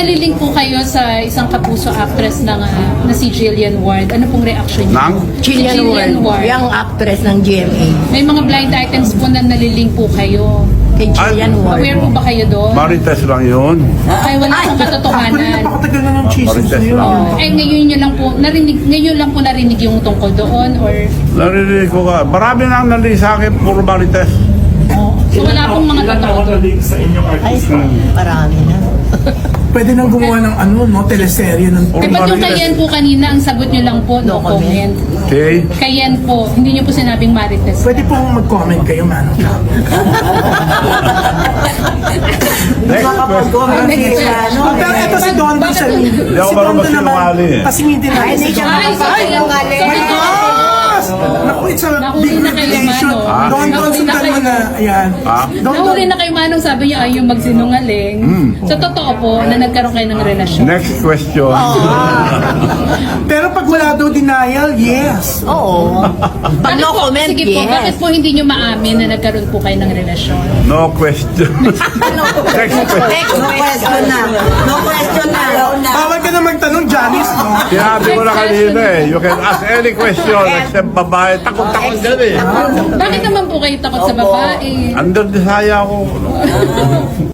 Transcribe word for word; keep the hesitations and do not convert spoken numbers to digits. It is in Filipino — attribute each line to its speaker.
Speaker 1: nalilink po kayo sa isang kapuso actress ng, ah, na si Jillian Ward, ano pong reaction niyo?
Speaker 2: Nang?
Speaker 1: Si
Speaker 3: Jillian Ward, yung actress ng G M A.
Speaker 1: May mga blind items po na nalilink po kayo.
Speaker 3: Kay Jillian Ward.
Speaker 1: Aware po ba kayo doon?
Speaker 2: Marites lang yun.
Speaker 1: Ay, wala pong katotohanan.
Speaker 4: Napakatagal na ng chismis
Speaker 2: Marites
Speaker 4: na yun.
Speaker 2: lang.
Speaker 1: Oh, ay ngayon nyo lang po narinig, ngayon lang po narinig yung tungkol doon or
Speaker 2: Narinig ko ka. Marami nang nali sa akin, puro Marites.
Speaker 1: oh, so wala pong mga
Speaker 5: Ilan
Speaker 1: totoo.
Speaker 5: nakatalik sa inyong
Speaker 3: Ay,
Speaker 5: artista?
Speaker 3: marami na.
Speaker 4: Pwede nang gumawa ng ano, no, teleserye ng...
Speaker 1: Eh, ba't yung Kayen po kanina, ang sagot nyo lang po, no,
Speaker 3: No comment.
Speaker 1: comment.
Speaker 2: Okay?
Speaker 1: Kayen po, hindi nyo po sinabing Marites.
Speaker 4: Pwede po mag-comment kayo, man.
Speaker 2: Next question.
Speaker 3: Next question.
Speaker 4: Oh, pero ito si Don Don sa
Speaker 2: Hindi ako marunong magsinungaling eh.
Speaker 4: Kasi hindi na.
Speaker 3: Ay, hindi siya
Speaker 1: Ay, so kayo, so
Speaker 4: My
Speaker 1: kayo,
Speaker 4: gosh! Naku, it's a
Speaker 1: Nahuli
Speaker 4: big
Speaker 1: na kayo,
Speaker 4: revelation.
Speaker 1: Mano.
Speaker 2: Ah.
Speaker 4: Don Don,
Speaker 1: Nahuli na
Speaker 4: sundan mo
Speaker 1: kayo.
Speaker 4: na. Ayan.
Speaker 2: Ah?
Speaker 4: Don Don.
Speaker 1: nahuli na kayo manong sabi niyo ay yung magsinungaling. So totoo po na nagkaroon kayo ng relasyon.
Speaker 2: Next question.
Speaker 4: Pero pag wala daw denial, yes.
Speaker 3: Oo. Pag
Speaker 1: Bakit
Speaker 3: no
Speaker 1: po,
Speaker 3: comment,
Speaker 1: sige po, bakit
Speaker 3: yes.
Speaker 1: po hindi nyo maamin na nagkaroon po kayo ng relasyon?
Speaker 2: No question. Next question.
Speaker 3: Next question na. No question na.
Speaker 4: Bawal ka na magtanong, Janice, no?
Speaker 2: Sinabi ko na kanina eh. You can ask any question except babae. Takot-takot dyan eh.
Speaker 1: Bakit naman po kayo takot sa babae?
Speaker 2: Under desire ako.